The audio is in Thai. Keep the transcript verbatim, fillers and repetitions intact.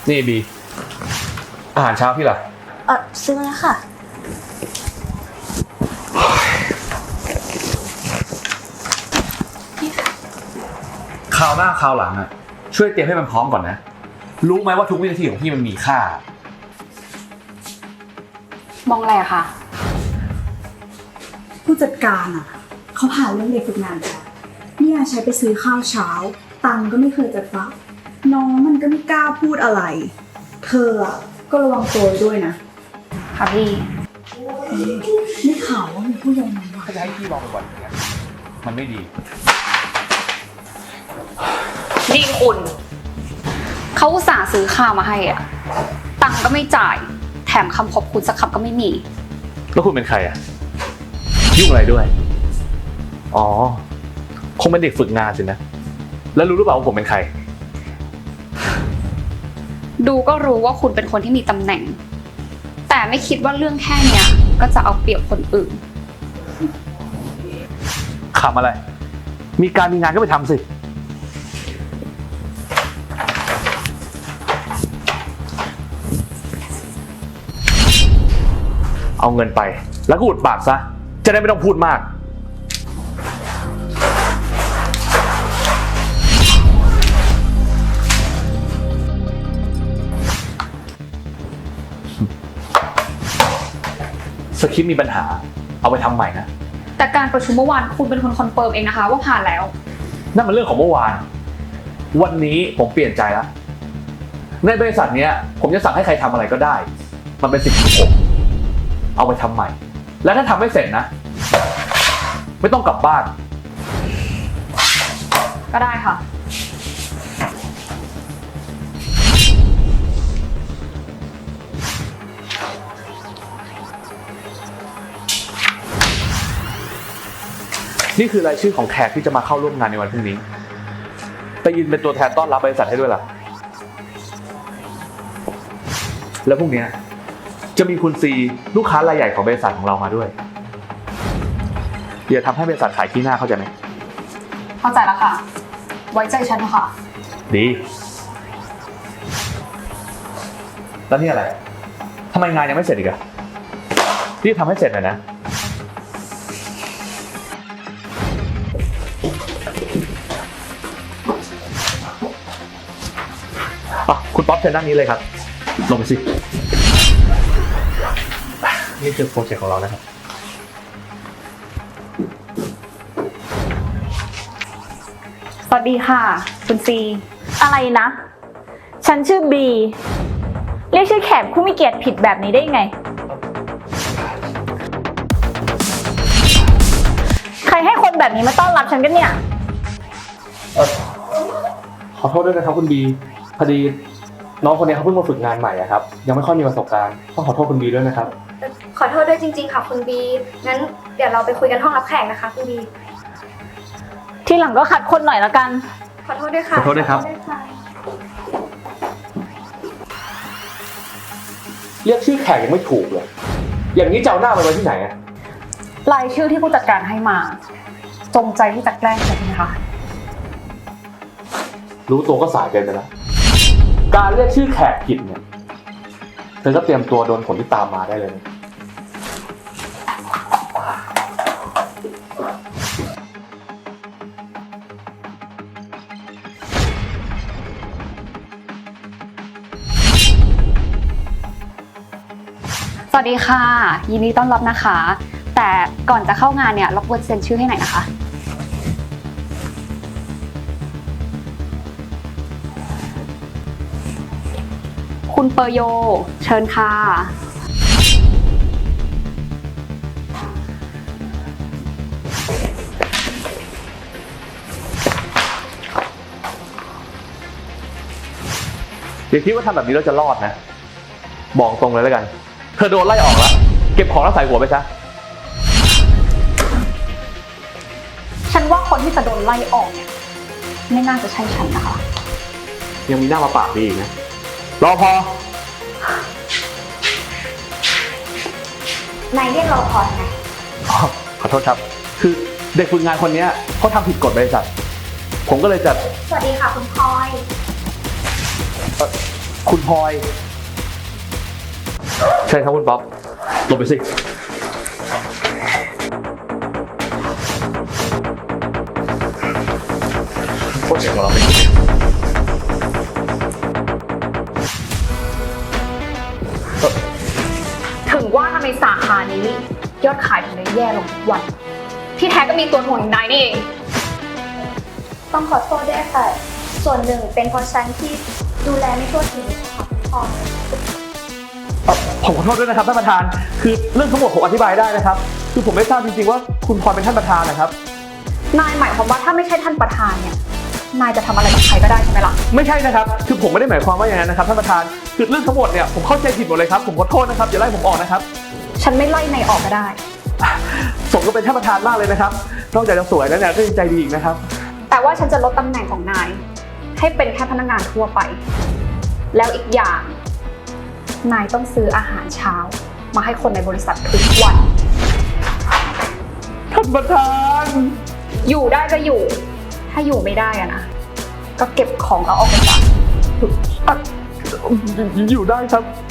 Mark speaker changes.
Speaker 1: นี่บีอาหารเช้าพี่ล่ะ
Speaker 2: เออซื้อมาแล้วค่ะนี่ค่ะ
Speaker 1: คราวหน้าคราวหลังอ่ะช่วยเตรียมให้มันพร้อมก่อนนะรู้ไหมว่าทุกวินาทีของพี่มันมีค่าม
Speaker 3: องอะไรอะคะ
Speaker 2: ผู้จัดการอ่ะเขาผ่านเรื่องเด็กฝึกงานค่ะเนี่ยใช้ไปซื้อข้าวเช้าตังก็ไม่เคยจะฟักน้องมันก็ไม่กล้าพูดอะไรเธออ่ะก็ระวังตัวด้วยนะ
Speaker 3: ค่ะพี่
Speaker 2: ไม่ข่าวว่ามีผู้ยังไงวะ
Speaker 1: ถ้าจะให้พี่ลองไปก่อนอย่างเงี้ยมันไม่ดี
Speaker 3: นี่คุณเขาอุตส่าห์ซื้อข้าวมาให้อ่ะตังก็ไม่จ่ายแถมคำขอบคุณสักคำก็ไม่มี
Speaker 1: แล้วคุณเป็นใครอ่ะยุ่งอะไรด้วยอ๋อคงเป็นเด็กฝึกงานสินะแล้วรู้หรือเปล่าว่าผมเป็นใคร
Speaker 3: ดูก็รู้ว่าคุณเป็นคนที่มีตำแหน่งแต่ไม่คิดว่าเรื่องแค่เนี้ยก็จะเอาเปรียบคนอื่น
Speaker 1: ขำอะไรมีการมีงานก็ไปทำสิเอาเงินไปแล้วก็อุดปากซะจะได้ไม่ต้องพูดมากสคริปต์มีปัญหาเอาไปทำใหม่นะ
Speaker 3: แต่การประชุมเมื่อวานคุณเป็นคนคอนเฟิร์มเองนะคะว่าผ่านแล้ว
Speaker 1: นั่นมันเรื่องของเมื่อวานวันนี้ผมเปลี่ยนใจแล้วในบริษัทนี้ผมจะสั่งให้ใครทำอะไรก็ได้มันเป็นสิทธิ์ของผมเอาไปทำใหม่แล้วถ้าทำไม่เสร็จนะไม่ต้องกลับบ้าน
Speaker 3: ก็ได้ค่ะ
Speaker 1: นี่คือรายชื่อของแขกที่จะมาเข้าร่วมงานในวันพรุ่งนี้ไปยืนเป็นตัวแทนต้อนรับบริษัทให้ด้วยล่ะแล้วพรุ่งนี้จะมีคุณซีลูกค้ารายใหญ่ของบริษัทของเรามาด้วยอย่าทำให้บริษัทขายขี้หน้าเข้าใจไหม
Speaker 3: เข้าใจแล้วค่ะไว้ใจฉันนะคะ
Speaker 1: ดีแล้วนี่อะไรทำไมงานยังไม่เสร็จอีกอะรีบทำให้เสร็จหน่อยนะคุณป๊อปเชิญด้านนี้เลยครับลงไปสินี่คือโปรเจกต์ของเรานะครับ
Speaker 3: สวัสดีค่ะคุณซี
Speaker 4: อะไรนะฉันชื่อบีเรียกชื่อแขกผู้มีเกียรติผิดแบบนี้ได้ไงใครให้คนแบบนี้มาต้อนรับฉันกันเนี่ย
Speaker 1: เออขอโทษด้วยนะครับคุณบีพอดีน้องคนนี้เขาเพิ่งมาฝึกงานใหม่อะครับยังไม่ค่อยมีประสบการณ์ต้องขอโทษคุณบีด้วยนะครับ
Speaker 5: ขอโทษด้วยจริงๆค่ะคุณบีงั้นเดี๋ยวเราไปคุยกันห้องรับแขกนะคะคุณบี
Speaker 4: ทีหลังก็ขัดคนหน่อยละกัน
Speaker 5: ขอโทษด้วยค่ะ
Speaker 1: ขอโทษด้วยครับเรียกชื่อแขกยังไม่ถูกเลยอย่างนี้จะเอาหน้าไปไว้ที่ไหนอะ
Speaker 3: รายชื่อที่ผู้จัดการให้มาจงใจที่จะแกล้งใช่ไหมคะ
Speaker 1: รู้ตัวก็สายเกินไปแล้วการเรียกชื่อแขกผิดเนี่ยเธอก็เตรียมตัวโดนผลที่ตามมาได้เลย
Speaker 3: สวัสดีค่ะยินดีต้อนรับนะคะแต่ก่อนจะเข้างานเนี่ยรบกวนเซ็นชื่อให้หน่อยนะคะคุณเปอร์โยเชิญค่ะ
Speaker 1: อย่าคิดว่าทำแบบนี้เราจะรอดนะบอกตรงเลยแล้วกันเธอโดนไล่ออกแล้วเก็บของแล้วใส่หัวไปซะ
Speaker 3: ฉันว่าคนที่จะโดนไล่ออกเนี่ยไม่น่าจะใช่ฉันนะคะ
Speaker 1: ยังมีหน้ามาปากดีอีกนะรอพ
Speaker 5: อนายเรียกรอพอไง
Speaker 1: อ๋อขอโทษครับคือเด็กฝึกงานคนนี้เขาทำผิดกฎบริษัทผมก็เลยจะ
Speaker 5: สวัสดีค่ะคุณพลอย
Speaker 1: คุณคุณพลอยใช่ครับคุณป๊อปลงไปสิโคตรเจ๋งของเราเป็น
Speaker 3: ถึงว่าทำไมสาขานี้ยอดขายถึงได้แย่ลงทุกวัน ที่แท้ก็มีตัวถ่วงอย่างนายนี่เอง
Speaker 5: ต้องขอโทษด้วยค่ะ ส่วนหนึ่งเป็นเพราะฉันที่ดูแลไม่ทั่วถึงค่ะพอ
Speaker 1: เอ่อผมขอโทษด้วยนะครับท่านประธานคือเรื่องทั้งหมดผมอธิบายได้นะครับคือผมไม่ทราบจริงๆว่าคุณพลอยเป็นท่านประธานนะครับ
Speaker 3: นายหมายความว่าถ้าไม่ใช่ท่านประธานเนี่ย นายจะทำอะไรกับใครก็ได้ใช่ไหมล่ะ
Speaker 1: ไม่ใช่นะครับคือผมไม่ได้หมายความว่าอย่างนั้นนะครับท่านประธานคือเรื่องทั้งหมดเนี่ยผมเข้าใจผิดหมดเลยครับผมขอโทษนะครับอย่าไล่ผมออกนะครับ
Speaker 3: ฉันไม่ไล่นายออกก็ได้
Speaker 1: สมก็เป็นท่านประธานมากเลยนะครับนอกจากจะสวยแล้วเนี่ยก็ยังใจดีอีกนะครับ
Speaker 3: แต่ว่าฉันจะลดตำแหน่งของนาย ให้เป็นแค่พนักงานทั่วไป แล้วอีกอย่าง นายต้องซื้ออาหารเช้า มาให้คนในบริษัททุกวัน
Speaker 1: ท่านประธาน
Speaker 3: อยู่ได้ก็อยู่ ถ้าอยู่ไม่ได้อะนะ ก็เก็บของแล้วออกไปจาก
Speaker 1: อ่ะอยู่ได้ครับ